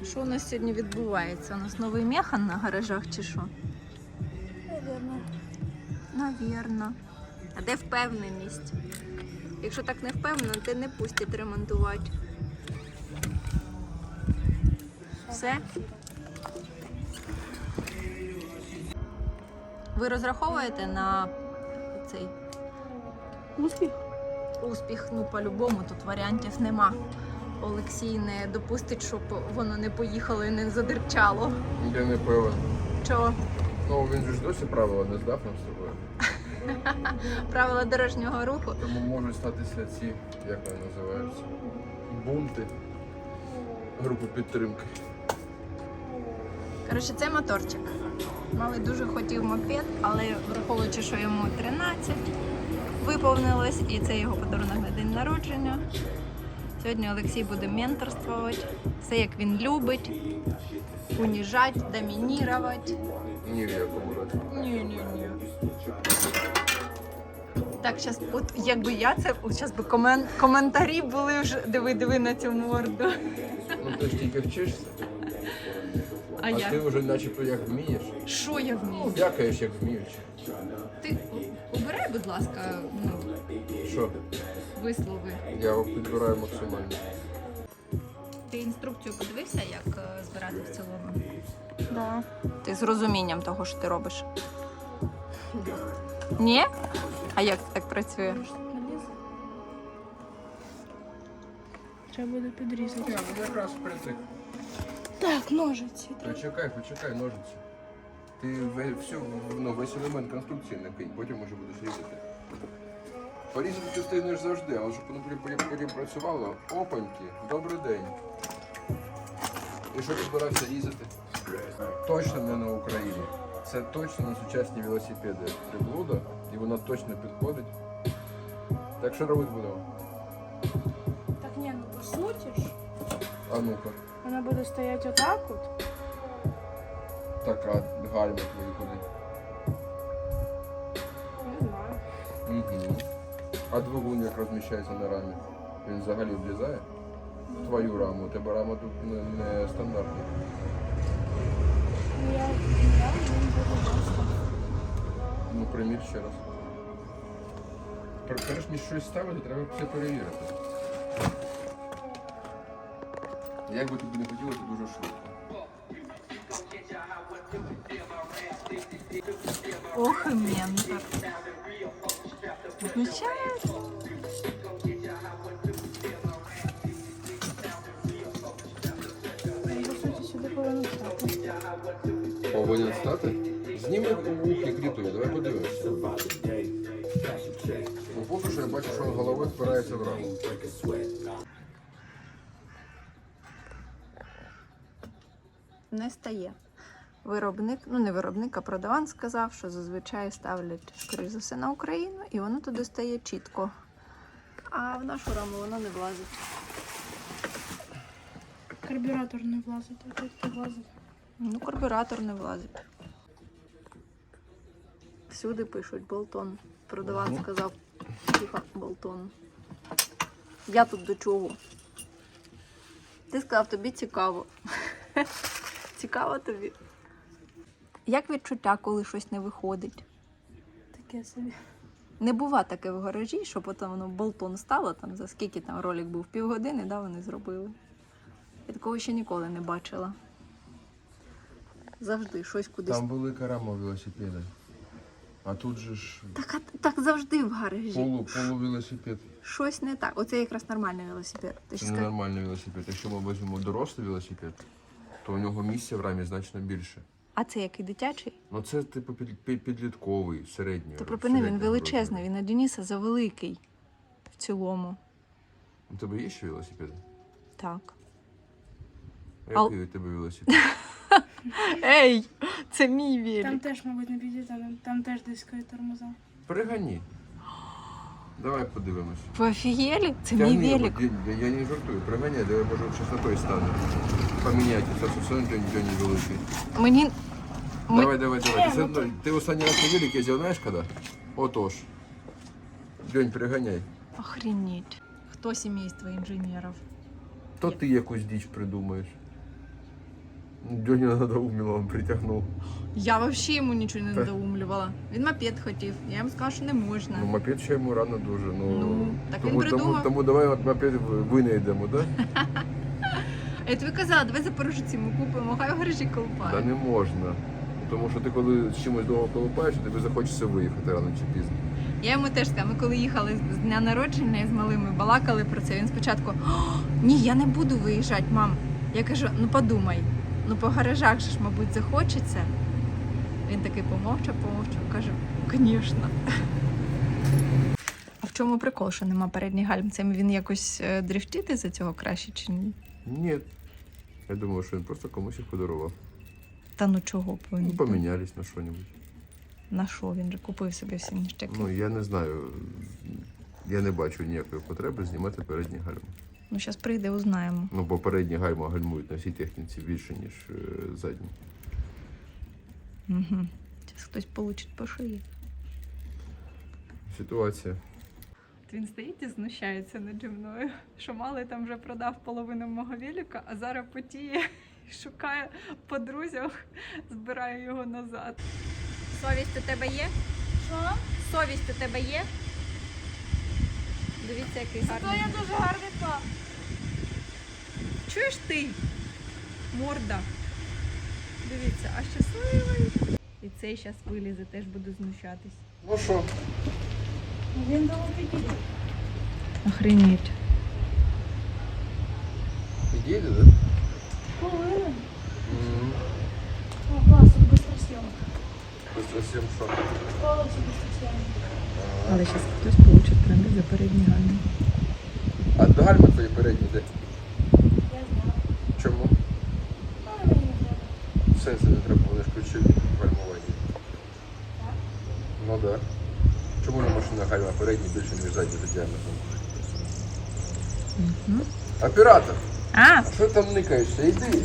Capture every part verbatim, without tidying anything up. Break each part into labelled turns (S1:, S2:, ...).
S1: Що у нас сьогодні відбувається? У нас новий механ на гаражах чи що?
S2: Наверно.
S1: Навірно. А де впевненість? Якщо так не впевнено, ти не пустять ремонтувати. Все? Ви розраховуєте на цей
S2: Успіх?
S1: успіх? Ну, по-любому, тут варіантів нема. Олексій не допустить, щоб воно не поїхало і не задирчало.
S3: Я не певен.
S1: Чого?
S3: Ну, він же ж досі правила не здав нам з собою.
S1: Правила дорожнього руху.
S3: Тому можуть статися ці, як вони називаються, бунти, групи підтримки.
S1: Коротше, це моторчик. Малий дуже хотів мопед, але враховуючи, що йому тринадцять виповнилось, і це його подарунок на день народження. Сьогодні Олексій буде менторствувати. Все, як він любить. Уніжати, домінірувати.
S3: Ні, якому разі.
S1: Ні-ні-ні. Так, зараз, от якби я це, от зараз би комен, коментарі були вже, диви-диви на цю морду.
S3: Ну ти ж тільки вчишся,
S1: А
S3: а
S1: я?
S3: ти вже начебто як вмієш.
S1: Що я
S3: Ну,
S1: вмію?
S3: дякаєш, як вмієш.
S1: Ти обирай, будь ласка, ну,
S3: Що?
S1: вислови.
S3: Я його підбираю максимально.
S1: Ти інструкцію подивився, як е, збирати в цілому?
S2: Да.
S1: Ти з розумінням того, що ти робиш? Ні? А як це так працює?
S2: Треба буде підрізати.
S3: Ні, ну якраз впритик.
S2: Так, ножиці.
S3: Почекай, почекай, ножиці. Ти ве- всю, ну, весь елемент конструкції накинь, потім уже будеш різати. Порізати ти встигнеш завжди, але щоб воно потім- потім працювало, опаньки, добрий день. І що ти збирався різати? Точно не на Україні. Це точно не сучасні велосипеди. Приблуда, і вона точно підходить. Так що робити будемо?
S2: Так ні, ну по суті ж.
S3: А ну-ка.
S2: Вона буде стояти отак от.
S3: Така гальма твої куди.
S2: Не знаю.
S3: Угу. А двигун як розміщається на рамі? Він взагалі влізає? В твою раму. У тебе рама тут не, не стандартна.
S2: Ну я я він буде просто.
S3: Ну примір ще раз. Пер- Перш ніж щось ставити, треба все перевірити. Як би тобі не хотілося, дуже швидко.
S1: Ох, і ментор. Включається.
S2: Він, по суті, сюди повинен стати.
S3: Повинен стати? Зніми вухи крітою, давай подивимося. Ну поки що я бачу, що голови впирається в раму.
S1: Не стає. Виробник, ну не виробник, а продаван сказав, що зазвичай ставлять, скоріш за все, на Україну, і воно туди стає чітко. А в нашу раму воно не влазить.
S2: Карбюратор не влазить, а тут влазить.
S1: Ну, карбюратор не влазить. Всюди пишуть болтон. Продаван сказав, типа болтон. Я тут до чого? Ти сказав, тобі цікаво. Цікаво тобі? Як відчуття, коли щось не виходить?
S2: Таке собі.
S1: Не бува таке в гаражі, що потім воно болтон стало, там за скільки там ролик був, півгодини, да, вони зробили. Я такого ще ніколи не бачила. Завжди щось кудись.
S3: Там велика рама велосипеда. А тут же ж
S1: Так, а- так завжди в гаражі.
S3: полу, полувелосипед.
S1: Щось не так. Оце якраз нормальний велосипед. Ти
S3: Це
S1: ж
S3: не
S1: скажи.
S3: нормальний велосипед. Якщо ми візьмемо дорослий велосипед, то у нього місця в рамі значно більше.
S1: А це який дитячий?
S3: Ну це типу під, під, підлітковий, середній.
S1: То припини, він
S3: середнього
S1: величезний,
S3: розміру.
S1: він на Дениса завеликий. В цілому.
S3: У тебе є ще велосипед?
S1: Так.
S3: Який
S1: Ал-
S3: у тебе велосипед?
S1: Ей! Це мій велик.
S2: Там теж, мабуть, не підійде, там, там теж дискові тормоза.
S3: Пригані. Давай подивимось.
S1: Ви офігели? Це
S3: Тягни
S1: мій
S3: його,
S1: велик.
S3: я, я, я не жартую, приганяй, давай може щось на той стане. Поміняйте, це все одно Джоні Джоні великий.
S1: Мені... Ми...
S3: Давай, давай, давай. Ти, все одно- ти останній раз на велик їздив, знаєш коли? Отож. Джонь, приганяй.
S1: Охренеть. Хто сімейство інженерів?
S3: То ти якусь діч придумаєш. Дьоня надоумила, он притягнув.
S1: Я взагалі йому нічого не
S3: Та-
S1: надоумлювала. Він мопед хотів. Я йому сказала, що не можна.
S3: Ну, мопед ще йому рано дуже. Ну,
S1: Ну, так він
S3: тому,
S1: придумав.
S3: тому, тому давай от мопед винайдемо, да?
S1: Я тобі казала, давай Запорожці ми купимо, хай в гаражі
S3: Та
S1: колупає.
S3: не можна. Тому що ти коли з чимось довго колупаєш, тобі захочеться виїхати рано чи пізно.
S1: Я йому теж сказала, ми коли їхали з дня народження і з малими балакали про це, він спочатку: «О, ні, я не буду виїжджати, мам. Я кажу, ну подумай, ну по гаражах же ж, мабуть, захочеться. Він такий помовчав, помовчав, каже, звісно. А в чому прикол, що нема передніх гальм? Це він якось е, дрифтити за цього краще чи ні?
S3: Ні. Я думаю, що він просто комусь їх подарував.
S1: Та ну чого б він?
S3: Ну, помінялись на що-небудь.
S1: На що? Він же купив собі всі ніштяки.
S3: Ну, я не знаю. Я не бачу ніякої потреби знімати передні гальми.
S1: Ну, зараз прийде, узнаємо.
S3: Ну, бо передні гальма гальмують на всій техніці більше, ніж е, задні.
S1: Угу. Зараз хтось получить по шиї.
S3: Ситуація.
S1: Він стоїть і знущається наді мною, що малий там вже продав половину мого велика, а зараз потіє і шукає по друзях, збирає його назад. Совість у тебе є?
S2: Що?
S1: Совість у тебе є? Дивіться, який
S2: То
S1: гарний.
S2: я дуже гарний пап.
S1: Чуєш ти? Морда. Дивіться, а щасливий. І цей зараз вилізе, теж буду знущатись.
S3: Ну що?
S2: Він довго підійде.
S1: Охренеть.
S3: Підійде, да?
S2: Повинен. О, клас, тут быстросъемка.
S3: Просто всім що?
S2: Повністю быстросъемка.
S1: Але зараз хтось получить прямо за передні гальми.
S3: А до гальми твої передні де?
S2: Я знаю.
S3: Чому?
S2: Але мені не треба.
S3: Все це не треба, вони ж ключові в гальмуванні.
S2: Так?
S3: Ну так. Да. Чому на машинах гальма передні більше, ніж задні за діаметром?
S1: Угу.
S3: Оператор!
S1: А,
S3: А що там никаєшся? Іди!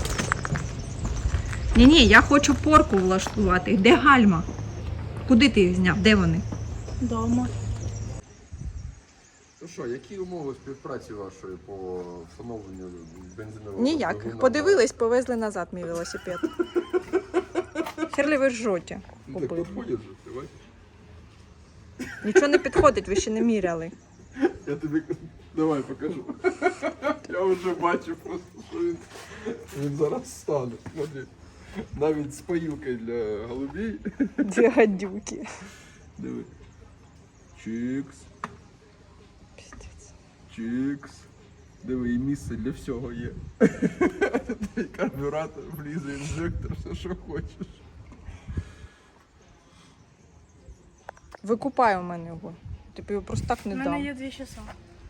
S1: ні-ні, я хочу порку влаштувати. Де гальма? Куди ти їх зняв? Де вони?
S2: Дома.
S3: Ну що, які умови співпраці вашої по встановленню бензинового
S1: Ніяких.
S3: двигуна?
S1: Подивились, повезли назад мій велосипед. Херлі ви жжоті.
S3: Ну так підходять же, давай.
S1: Нічого не підходить, ви ще не міряли.
S3: Я тобі давай покажу. Я вже бачу просто, що він, він зараз стане. Смотри. Навіть з поїлкою для голубей.
S1: Дві гадюки.
S3: Диви. Чікс. Чікс. Диви, і місце для всього є. І карбюратор, влізе, інжектор, все, що хочеш.
S1: Викупай у мене його. Тобі його просто так
S2: У
S1: не
S2: мене
S1: дам.
S2: є дві часа.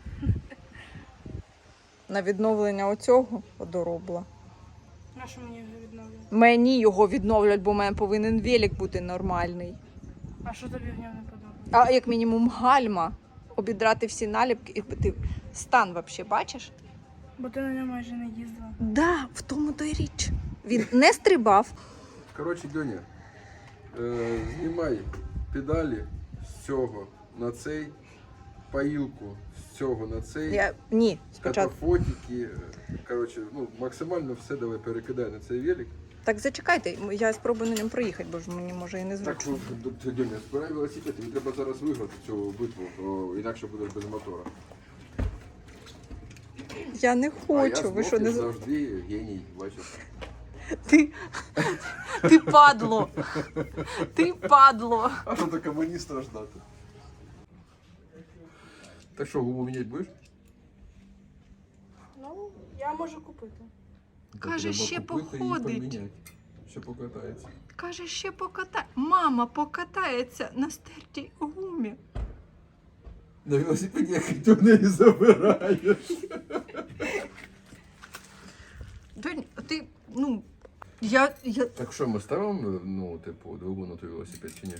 S1: На відновлення оцього одоробла.
S2: На що мені вже відновлює?
S1: Мені його відновлять, бо в мене повинен велик бути нормальний.
S2: А що тобі в ньому не подобається?
S1: А як мінімум гальма, обідрати всі наліпки і ти стан взагалі бачиш?
S2: Бо ти на ньому майже не їздила.
S1: Да, в тому то й річ. Він не стрибав.
S3: Коротше, Дьоня, е, знімай педалі з цього на цей, поїлку з цього на цей,
S1: Я ні, спочатку.
S3: катафотики. Коротше, ну, максимально все давай перекидай на цей велик.
S1: Так зачекайте, я спробую на ньому проїхати, бо ж мені може і не
S3: Так,
S1: зручно.
S3: що, Дьоня, збирай велосипед, тобі треба зараз виграти цю битву, бо інакше будеш без мотора.
S1: Я не
S3: А я
S1: хочу, ви що
S3: знов,
S1: не
S3: як
S1: з-
S3: завжди геній, бачиш.
S1: Ти, ти падло. Ти падло.
S3: А що то комуніста ждати? Так що, гуму міняти будеш?
S2: Ну, я можу купити.
S1: Каже,
S3: Треба
S1: ще
S3: купити і
S1: походить.
S3: поміняти. Ще покатається.
S1: Каже, ще покатає. Мама покатається на стертій гумі.
S3: На велосипеді як ти в неї забираєш.
S1: Донь, ти, ну, я, я...
S3: Так що, ми ставимо, ну, типу, двигун на той велосипед чи ні?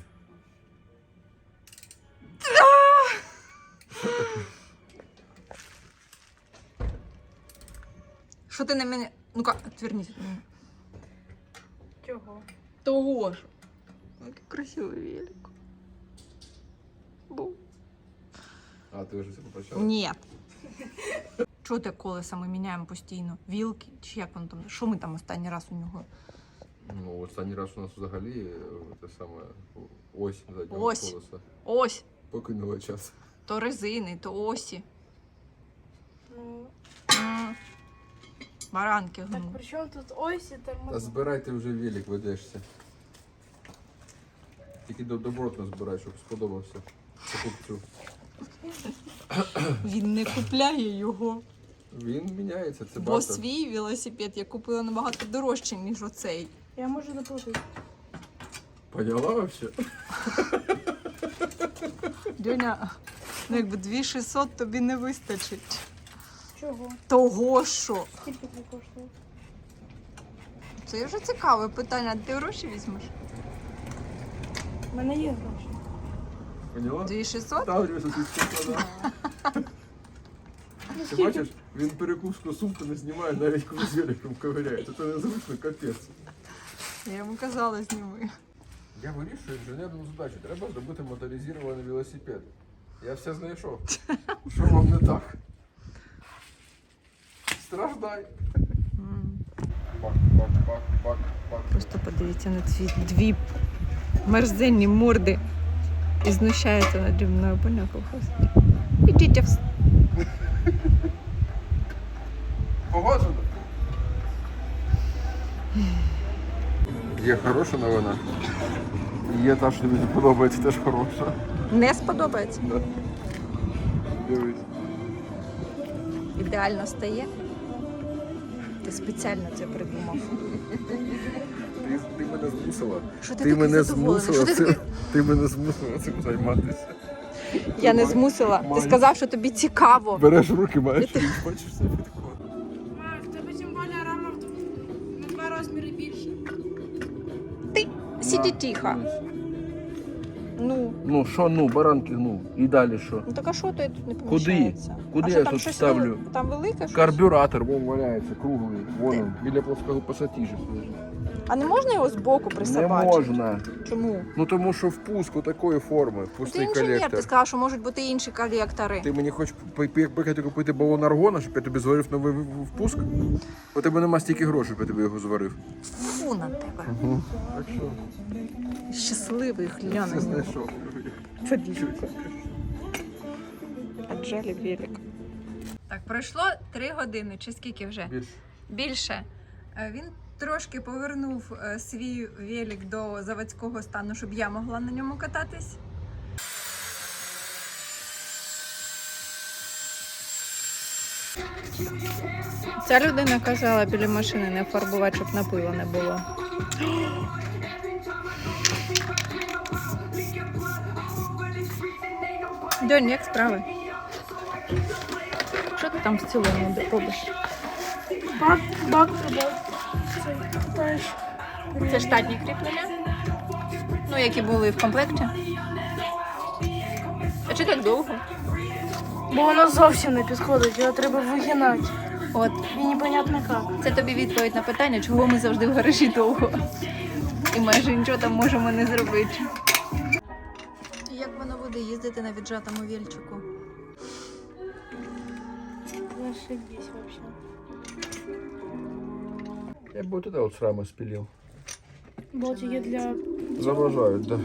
S1: Що ти на мене... Ну-ка, отвернись від мене.
S2: Чого?
S1: Того ж. Який красивий велик. Бу.
S3: А, ти вже це попрощала?
S1: Ні. Чого те колеса ми міняємо постійно? Вілки? Чи як воно там? Що ми там останній раз у нього?
S3: Ну, останній раз у нас взагалі е, те саме ось заднього
S1: Ось.
S3: колеса.
S1: Ось.
S3: Покинула час.
S1: То резини, то осі.
S2: Ну,
S1: М. Баранки
S2: так
S1: гну.
S2: при чому тут ось і
S3: Та
S2: тормоза?
S3: збирай ти вже велик, ведешся. Тільки до- добротно збирай, щоб сподобався покупцю.
S1: Він не купляє його.
S3: Він міняється, це
S1: Бо
S3: бартер.
S1: свій велосипед я купила набагато дорожче, ніж оцей.
S2: Я можу доплатити.
S3: Поняла вообще?
S1: Дюня, ну якби дві тисячі шістсот тобі не вистачить.
S2: Чого?
S1: Того що?
S2: Скільки це коштує?
S1: Це вже цікаве питання. Ти гроші візьмеш?
S2: У мене є гроші.
S3: Поняла?
S1: дві тисячі шістсот?
S3: Там рюкзак складав.
S2: Ну,
S3: Ти бачиш, він перекуску сумку не знімає, навіть коли з великом ковиряє. Це незручно, капець.
S1: Я йому казала, зніми.
S3: Я вирішую інженерну задачу. Треба зробити моторизований велосипед. Я все знайшов. Що вам не так? Страждай. Бак, бак, бак, бак, бак.
S1: Просто подивіться на ці дві мерзенні морди і знущається наді мною, поняв, колхоз? Ідіть в...
S3: Погоджено? Є хороша новина. Є та, що тобі не подобається, теж хороша.
S1: Не сподобається.
S3: Да. Дивись.
S1: Ідеально стає. Ти спеціально це придумав.
S3: Ти, ти мене змусила.
S1: Що ти
S3: Ти
S1: такий
S3: мене
S1: задоволений?
S3: змусила
S1: Що ти
S3: цим.
S1: такий?
S3: Ти мене змусила цим займатися.
S1: Я не змусила. Ти
S3: Май.
S1: сказав, що тобі цікаво.
S3: Береш в руки, маєш,
S1: Я те-
S3: і бачиш все підходить.
S2: Мам, в тебе тим більше рама в- на два розміри більше.
S1: Ти сиди тихо. Ну,
S3: Ну, що, ну, баранки, ну, і далі що?
S1: ну так а що то тут не
S3: Куди?
S1: поміщається?
S3: Куди
S1: а що,
S3: я
S1: там
S3: тут
S1: щось
S3: ставлю?
S1: вели- Там велике щось?
S3: Карбюратор, вон валяється, круглий, вон він, біля плоского пасатижа лежить.
S1: А не можна його збоку
S3: Не
S1: присобачити?
S3: можна.
S1: Чому?
S3: Ну тому що впуск у такої форми,
S1: Ти
S3: пустий
S1: інженер,
S3: колектор.
S1: ти сказав, що можуть бути інші колектори.
S3: Ти мені хочеш поїхати купити балон аргона, щоб я тобі зварив новий в- в- впуск? У тебе нема стільки грошей, щоб я тобі його зварив.
S1: Фу на тебе.
S3: Так що,
S1: Щасливий
S3: все
S1: гляну.
S3: знайшов.
S1: Подивіться. Аджалі велик. Так, пройшло три години, чи скільки вже?
S3: Більше.
S1: Більше. Е, Він трошки повернув е, свій велик до заводського стану, щоб я могла на ньому кататись. Ця людина казала біля машини не фарбувати, щоб напилу не було. Донь, як справи? Що ти там в цілому робиш?
S2: Бак, бак треба. Це катаєш.
S1: Це штатні кріплення? Ну, які були в комплекті? А чи так довго?
S2: Бо воно зовсім не підходить, його треба вигинати.
S1: От,
S2: І непонятно як.
S1: це тобі відповідь на питання, чого ми завжди в гаражі довго. І майже нічого там можемо не зробити. Як воно буде їздити на віджатому вільчику?
S2: Зашибись вообще.
S3: Я бы вот это вот с рамы спилил.
S2: Болтики для...
S3: Заважають, да.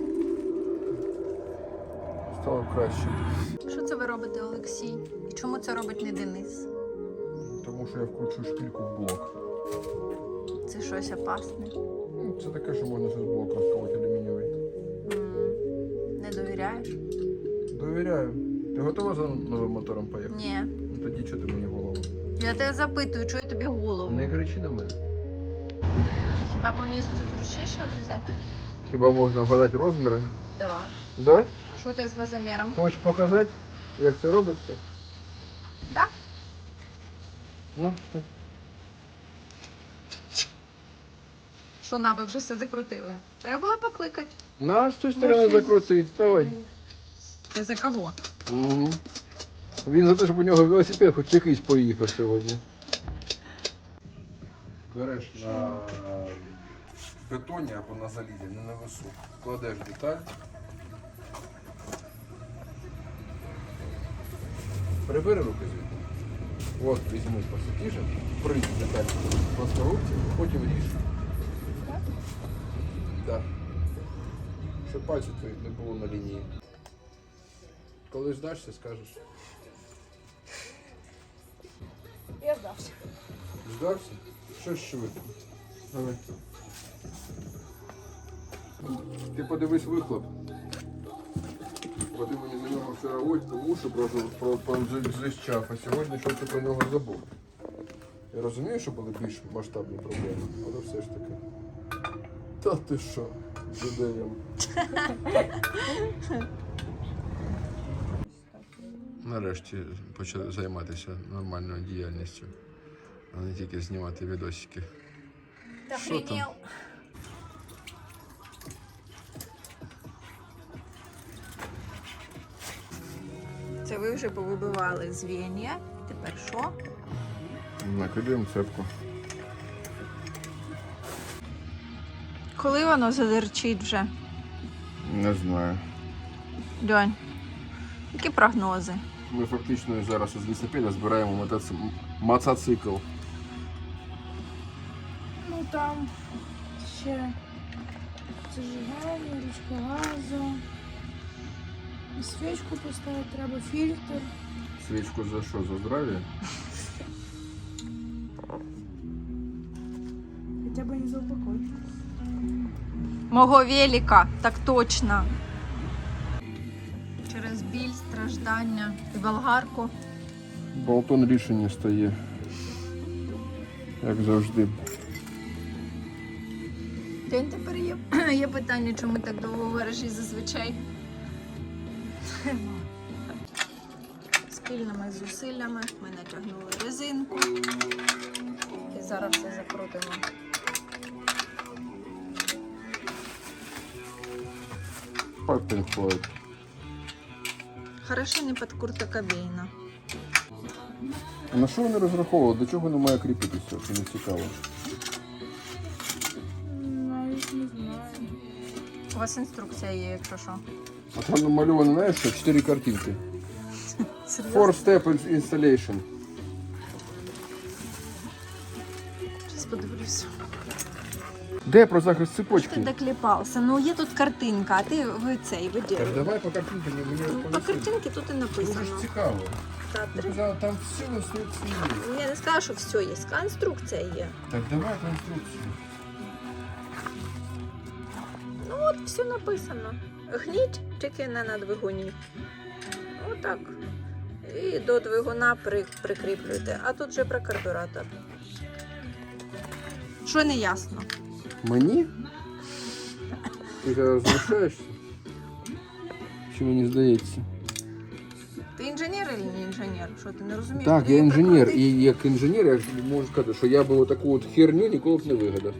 S3: Стало краще.
S1: Що це ви робите, Олексій? І чому це робить не Денис?
S3: Тому що я вкручую шпильку в блок.
S1: Це щось опасне.
S3: Ну, це таке, що можна ще з блока розколоти алюмінієвий.
S1: М, Не довіряєш?
S3: Довіряю. Ти готова за новим мотором поїхати?
S1: Ні.
S3: Ну тоді чого ти мені голову?
S1: Я тебе запитую, чого я тобі голову?
S3: Не кричи на мене.
S1: А по місту зручніше взяти?
S3: Хіба можна вгадати розміри?
S1: Так.
S3: Да?
S1: Що ти з вазоміром?
S3: Хочеш показати, як це робиться?
S1: Так.
S3: Ну, так.
S1: Що на, ви вже все закрутили? Треба було покликати.
S3: На, з тої сторони закрутить, давай.
S1: Ти за кого?
S3: Угу. Він за те, щоб у нього велосипед хоч якийсь поїхав сьогодні. Береш на бетоні або на залізі, не на весу. Кладеш деталь. Прибери руки звідти. От візьми посипіше, прийди так по сковорідці, потім ріж.
S2: Так?
S3: Так. Щоб пальці твої не було на лінії. Коли здашся, скажеш.
S2: Я здався.
S3: Здався? Що ж швидко? Давай. Ти подивись вихлоп. Бо ти мені за нього вчора ось уші про, про, про зищав, а сьогодні що ти про нього забув. Я розумію, що були більш масштабні проблеми, але все ж таки. Та ти що, жидеєм. Нарешті почали займатися нормальною діяльністю, а не тільки знімати відосики. Що там?
S1: Це ви вже повибивали звіння. Тепер що?
S3: Накидаємо цепку.
S1: Коли воно задерчить вже?
S3: Не знаю.
S1: Льонь, які прогнози?
S3: Ми фактично зараз із велосипеда збираємо мотоци... мотоцикл.
S2: Ну там ще зажигання, ручка газу. І свічку поставити треба, фільтр.
S3: Свічку за що? За здрав'я?
S2: Хоча б не за упокой.
S1: Мого велика, так точно. Через біль, страждання і болгарку.
S3: Болтон рішення стає. Як завжди.
S1: День тепер є, є питання, чому ми так довго в гаражі зазвичай. Спільними зусиллями ми натягнули резинку і зараз все закрутимо.
S3: Папін Флойд.
S1: Хорошо не під Курта Кобейна.
S3: А на що вони розраховували? До чого воно має кріпитися? Це не цікаво.
S2: Навіть не знаю.
S1: У вас інструкція є, якщо що.
S3: А там намальовано, знаєш, що чотири картинки.
S1: Серйозно?
S3: Four step installation.
S1: Зараз подивлюся.
S3: Де про захист
S1: Ти
S3: цепочки?
S1: докліпався. Ну є тут картинка, а ти ви цей
S3: Так
S1: виділи.
S3: давай по картинкам мені
S1: Ну, по
S3: розповісти.
S1: картинці тут і
S3: Дуже
S1: написано.
S3: ж цікаво.
S1: Та,
S3: Ти
S1: три.
S3: казала, там все інструкції є.
S1: Я не сказала, що все є. Інструкція є.
S3: Так давай по інструкції.
S1: Ну от все написано. Гніть тільки не на двигуні. Отак. І до двигуна при, прикріплюйте. А тут же про карбюратор. Що не ясно?
S3: Мені? Ти зараз залишаєшся? Чи мені здається?
S1: Ти інженер чи не інженер? Що ти не розумієш?
S3: Так,
S1: куди
S3: я
S1: її
S3: інженер,
S1: прикрутити?
S3: і як інженер я можу сказати, що я би таку от херню ніколи б не вигадав.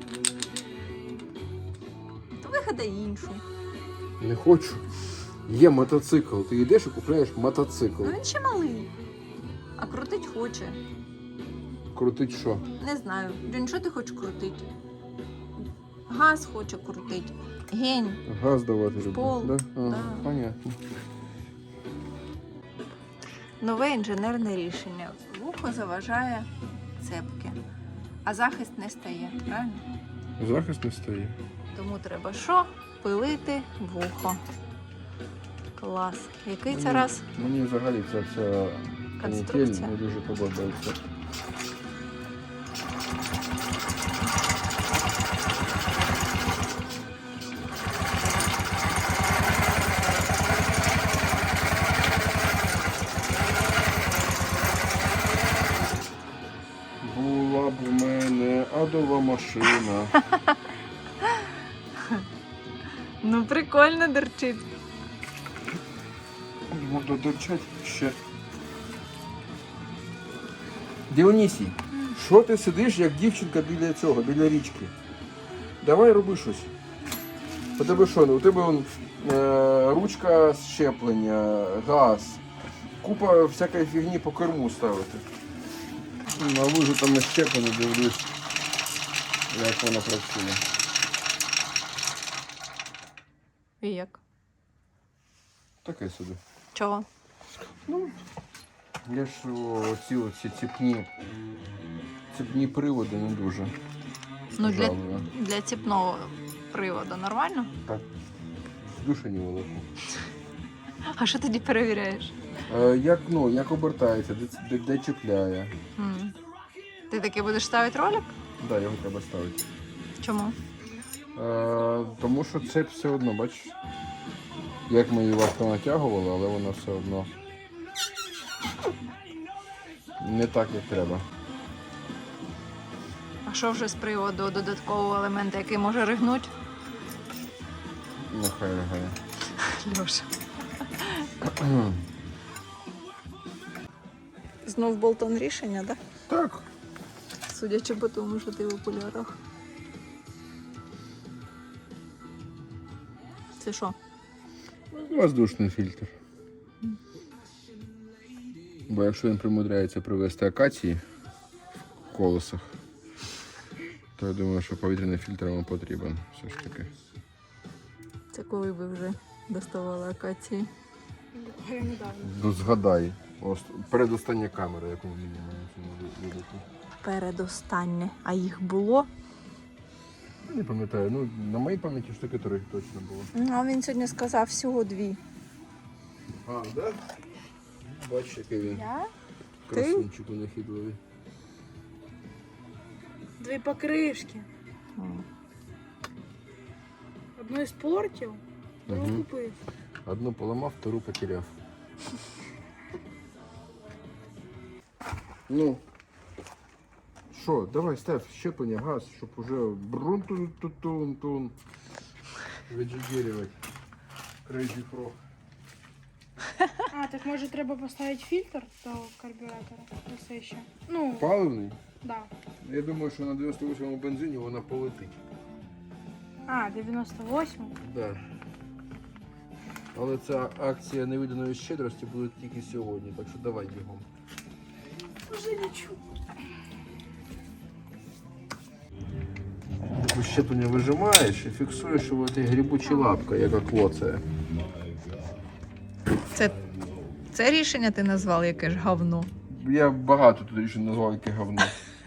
S1: То вигадай іншу.
S3: Не хочу. Є мотоцикл. Ти йдеш і купляєш мотоцикл.
S1: Ну він ще малий. А крутить хоче.
S3: Крутить що?
S1: Не знаю. Він що ти хочеш крутити? Газ хоче крутити. Гень.
S3: Газ давати люблю.
S1: Пол.
S3: Да? А,
S1: Да.
S3: Понятно.
S1: Нове інженерне рішення. Вухо заважає цепки. А захист не стає, правильно?
S3: Захист не стоїть.
S1: Тому треба що? Пилити вухо. Клас. Який це раз?
S3: Мені взагалі ця вся канітель
S1: Конструкція.
S3: не дуже подобається. Була б у мене адова машина.
S1: Ну прикольно дерчить.
S3: Буду дурчать ще. Діонісій, що ти сидиш, як дівчинка біля цього, біля річки? Давай роби щось. У тебе що? У тебе он, е, ручка щеплення, газ, купа всякої фігні по керму ставити. На лужу там не щеплено, дивлюсь, як воно працює.
S1: І як?
S3: Таке собі.
S1: Чого?
S3: Ну, Я ж оці оці ціпні, ціпні приводи не дуже.
S1: Ну, для,
S3: жалую.
S1: для ціпного приводу нормально?
S3: Так. Душа не волоку.
S1: А що тоді перевіряєш?
S3: Е, як, ну, як обертається, де, де, де чіпляє.
S1: М. Ти таки будеш ставити ролик?
S3: Так, да, його треба ставити.
S1: Чому?
S3: Е, тому що цепь все одно, бачиш, як ми її важко натягували, але вона все одно не так, як треба.
S1: А що вже з приводу додаткового елемента, який може ригнути?
S3: Нехай ригає.
S1: Льоша. Знов болтон рішення, так?
S3: Так.
S1: Судячи по тому, що ти в окулярах. Це що?
S3: Воздушний фільтр. Бо якщо він примудряється привезти акації в колесах, то я думаю, що повітряний фільтр вам потрібен все ж таки.
S1: Це коли ви вже доставали акації?
S2: Я недавно.
S3: Ну згадай, ось передостання камера, яку ми маємо цьому випадку.
S1: Передостаннє. А їх було?
S3: Не пам'ятаю, ну на моїй пам'яті штуки три точно було.
S1: Ну, а він сьогодні сказав всього дві.
S3: А, так? Да? Бачиш, який він
S2: Я?
S3: красунчик нахідливий.
S2: Дві покришки. Одну испортил, другу
S3: Угу.
S2: купив.
S3: Одну поламав, втору потеряв. Ну, що, давай став щеплення, газ, щоб уже брун-тун-тун-тун віджигерювати. Crazy Frog.
S2: А, так може треба поставити фільтр до карбюратора? Ось ще. Ну,
S3: Паливний?
S2: да.
S3: Я думаю, що на дев'яносто восьмому бензині вона полетить.
S2: А, дев'яносто восьмий.
S3: Да. Але ця акція невиданої щедрості буде тільки сьогодні, так що давай бігом.
S2: Уже нічого.
S3: Таку щеплення вижимаєш і фіксуєш його цією грибучою лапкою, яка клоцає.
S1: Це, це рішення ти назвав яке ж говно.
S3: Я багато тут рішень назвав, яке говно.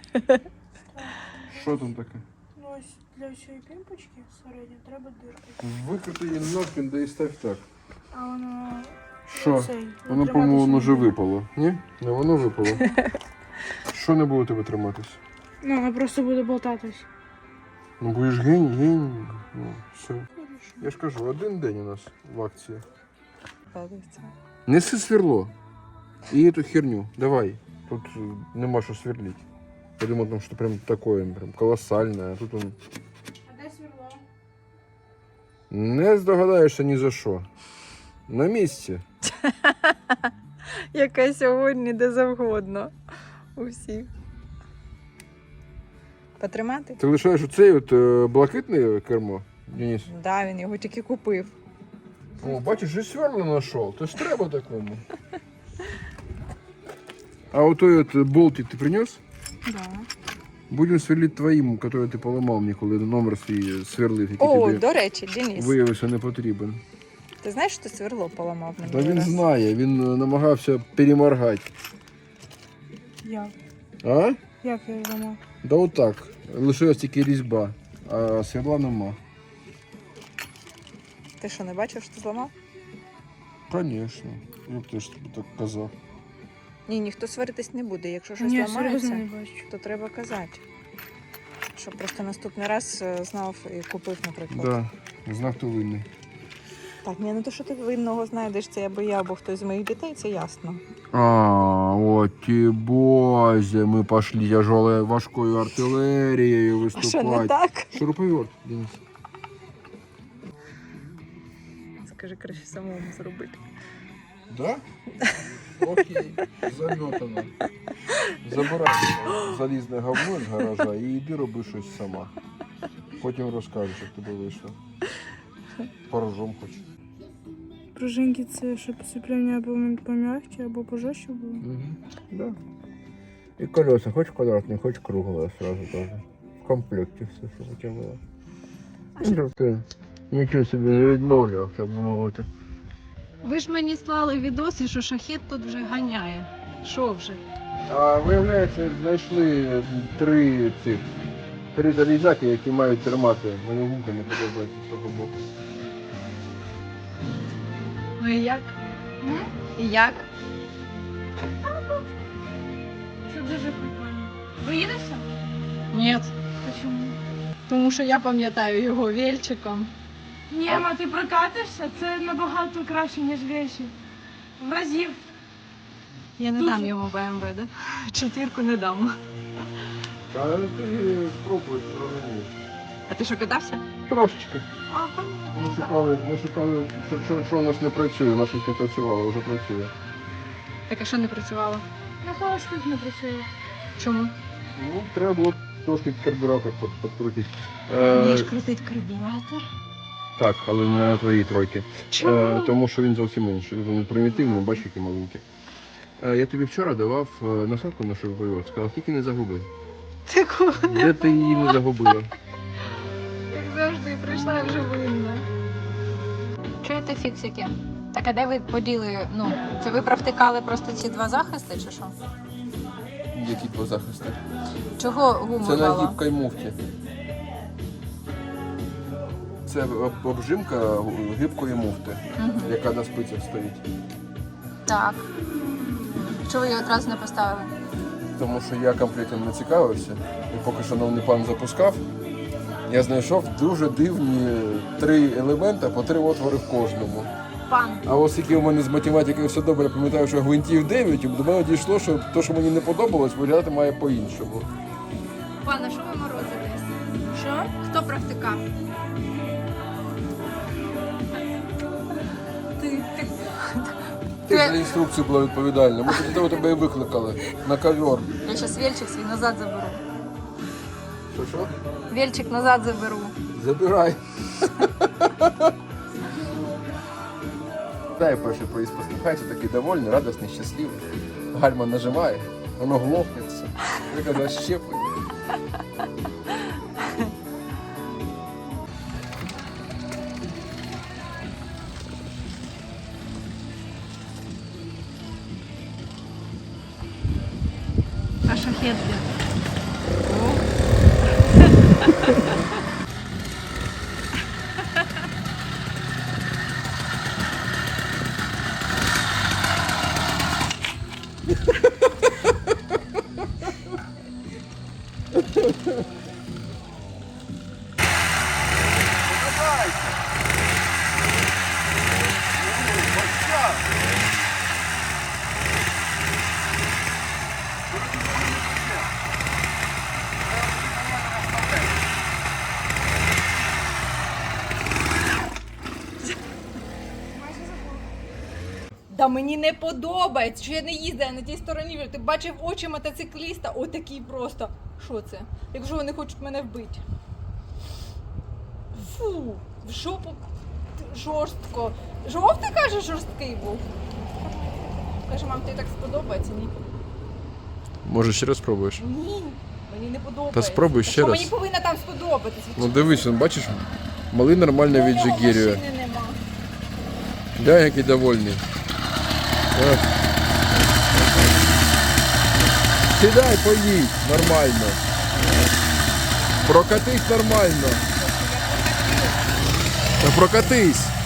S3: Що там таке?
S2: Ну ось для цієї пімпочки середньо треба дирка.
S3: Викрути її нахрен, да і став так.
S2: А воно...
S3: Що?
S2: цей,
S3: Воно,
S2: треба
S3: по-моєму, воно
S2: дуже
S3: вже випало. Ні? Не воно випало. Що не буде тебе триматись?
S2: Ну, воно просто буде болтатись.
S3: Ну будеш гень, гень. Ну, все. Я ж кажу, один день у нас в акції. Неси сверло. І эту херню. Давай. Тут э, нема що сверлить. Я думал, там что прям такое, прям колоссальное. А тут он...
S2: А де сверло?
S3: Не здогадаєшся ні за що. На місці.
S1: Яка сьогодні де завгодно. У всіх. Потримати?
S3: Ти лишаєш оцей от е, блакитне кермо, Денис?
S1: Так, да, він його тільки купив.
S3: О, бачиш, і сверло знайшов. То ж треба такому. А вот той от болтик ти принес?
S2: Да.
S3: Будемо сверлити твоїм, який ти поламав мені, коли номер свій сверлив, який
S1: О,
S3: тобі
S1: до речі, Денис,
S3: виявився не потрібен.
S1: ти знаєш, що ти сверло поламав мені?
S3: Та він
S1: раз?
S3: знає, він е, намагався переморгати.
S2: Як?
S3: А?
S2: Як я його зламав?
S3: Да отак. Лишилась тільки різьба, а сверла нема.
S1: Ти що, не бачив, що ти зламав?
S3: Звісно. Я б теж тобі так казав.
S1: Ні, ніхто сваритись не буде. Якщо щось
S2: Ні,
S1: ламається,
S2: серйозно не бачу.
S1: то треба казати. Щоб просто наступний раз е, знав і купив, наприклад.
S3: Да. Знак то винний.
S1: Так, ні, ну то, що ти винного знайдеш, це або я, або хтось з моїх дітей, це ясно.
S3: А, от ті бозі, ми пішли тяжелою важкою артилерією
S1: А що, не
S3: виступати.
S1: так?
S3: Шуруповерт, Денис.
S1: Скажи, краще самому зробити.
S3: Да? Окей, заметано. Забирай залізне говно з гаража і йди роби щось сама. Потім розкажеш, як тобі вийшло. Порожом хоч.
S2: Пружинки це щоб сцеплення або пом'якче, або пожорстче було.
S3: Угу. Да. І колеса, хоч квадратні, хоч кругле сразу тоже. В комплекті все, щоб у тебе було. Ну, ти нічого собі не відмовлював, щоб мовити.
S1: Ви ж мені слали відоси, що шахет тут вже ганяє. Що вже?
S3: А виявляється, знайшли три цих три залізяки, які мають термати. Мені гумка не подобається з того боку.
S1: Ну і як? І як?
S2: Це дуже прикольно. Ви їдете?
S1: Ні.
S2: Чому?
S1: Тому що я пам'ятаю його вільчиком.
S2: Ні, ма, ти прокатишся, це набагато краще, ніж вещі. В разів.
S1: Я не
S2: Дуже.
S1: дам йому БМВ, да? Четвірку не дам.
S3: Та ти спробуй, зрозумієш.
S1: А ти що, катався?
S3: Трошечки.
S1: А, понятно.
S3: Ми шукали, ми шукали, що, що, що у нас не працює, у нас щось не працювало, вже працює.
S1: Так а що не працювало?
S2: На холостих не працює.
S1: Чому?
S3: Ну, треба було трошки карбюратор під- підкрутити.
S1: Вмієш
S3: Е,
S1: крутить карбюратор?
S3: так, але не на твоїй тройки.
S1: Чому?
S3: Е, тому що він зовсім інший. Він примітивний, бачиш, який маленький. Е, я тобі вчора давав е, насадку на шуруповерт, сказав, тільки не загуби.
S1: Ти кого?
S3: Де ти її не загубила?
S1: Як завжди, прийшла я вже винна. Чуєте фіксики? Так а де ви поділи? Ну, це ви провтикали просто ці два захисти чи що?
S3: Які два захисти?
S1: Чого гуму
S3: Це на
S1: мало?
S3: гібкій муфті. Це об- обжимка гибкої муфти,
S1: Мгм.
S3: яка на спицях стоїть.
S1: Так. Чого ви її одразу не поставили?
S3: Тому що я комплектом не цікавився, і поки шановний пан запускав, я знайшов дуже дивні три елемента по три отвори в кожному.
S1: Пан.
S3: А оскільки у мене з математикою все добре, пам'ятаю, що гвинтів дев'ять, до мене дійшло, що те, що мені не подобалось, виглядати має по-іншому.
S1: Пан, а що ви морозитесь?
S2: Що?
S1: Хто провтикав? Ти, ти.
S3: Ти за інструкцію була відповідальна. Ми до того тебе і викликали на ковер.
S1: Я зараз вільчик свій назад заберу.
S3: Що що?
S1: Вільчик назад заберу.
S3: Забирай. Дай перший проїзд посміхається, такий довольний, радісний, щасливий. Гальма нажимає, воно глохнеться. Яка защеплення.
S1: А шахет де? Та мені не подобається, що я не їздила на тій стороні. Ти бачив очі мотоцикліста, отакий просто. Що це? Якщо вони хочуть мене вбити. Фу, в жопу жорстко. Жовтий, каже, жорсткий був. Каже, мам, тобі так сподобається? Ні.
S3: Може ще раз спробуєш?
S1: Ні, мені не подобається.
S3: Та спробуй ще
S1: Що
S3: раз.
S1: мені повинна там сподобатись?
S3: Ну дивись, он, бачиш, малий нормально віджигірює.
S1: Машини нема.
S3: Да, який довольний. Так. Сідай, поїдь, нормально. Прокатись нормально. Та прокатись.